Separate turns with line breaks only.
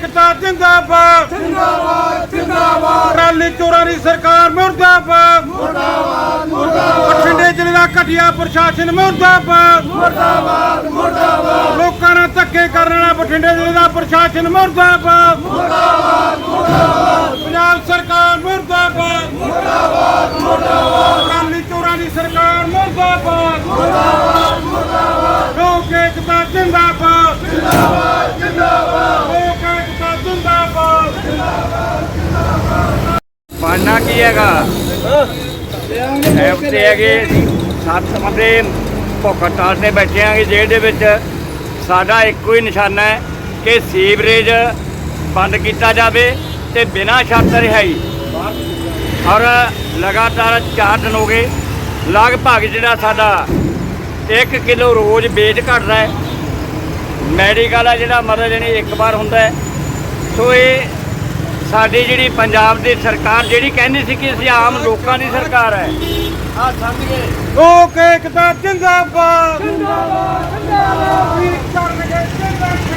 एकता जिंदाबाद
जिंदाबाद जिंदाबाद
ट्राली चोरां दी सरकार मुर्दाबाद
मुर्दाबाद मुर्दाबाद
बठिंडे जिले दा घटिया प्रशासन मुर्दाबाद
मुर्दाबाद मुर्दाबाद
लोकां नाल धक्के करन वाला बठिंडे जिले दा प्रशासन मुर्दाबाद
मुर्दाबाद मुर्दाबाद
पंजाब सरकार मुर्दाबाद
मुर्दाबाद मुर्दाबाद
ट्राली चोरां दी सरकार मुर्दाबाद
मुर्दाबाद मुर्दाबाद
लोक एकता जिंदाबाद
जिंदाबाद जिंदाबाद
लोक एकता जिंदाबाद
ਬਣਨਾ ਕੀ ਹੈਗਾ ਐਪ ਤੇ ਹੈਗੇ 7 ਬੰਦੇ ਭੁੱਖ ਹੜਤਾਲ ਤੇ ਬੈਠੇ ਆਂਗੇ ਜੇਲ੍ਹ ਦੇ ਵਿੱਚ। ਸਾਡਾ ਇੱਕੋ ਹੀ ਨਿਸ਼ਾਨਾ ਹੈ ਕਿ ਸੀਵਰੇਜ ਬੰਦ ਕੀਤਾ ਜਾਵੇ ਤੇ ਬਿਨਾਂ ਸ਼ਰਤ ਰਿਹਾਈ। ਔਰ ਲਗਾਤਾਰ 4 ਦਿਨ ਹੋ ਗਏ, ਲਗਭਗ ਜਿਹੜਾ ਸਾਡਾ 1 ਕਿਲੋ ਰੋਜ਼ ਵੇਟ ਘਟਦਾ ਹੈ। ਮੈਡੀਕਲ ਆ ਜਿਹੜਾ ਮਤਲਬ ਜਾਣੀ ਇੱਕ ਵਾਰ ਹੁੰਦਾ ਹੈ। ਸੋ ਇਹ ਸਾਡੀ ਜਿਹੜੀ ਪੰਜਾਬ ਦੀ ਸਰਕਾਰ ਜਿਹੜੀ ਕਹਿੰਦੀ ਸੀ ਕਿ ਅਸੀਂ ਆਮ ਲੋਕਾਂ ਦੀ ਸਰਕਾਰ ਹੈ, ਆ ਸਮਝ ਗਏ।
ਲੋਕ एकता जिंदाबाद जिंदाबाद जिंदाबाद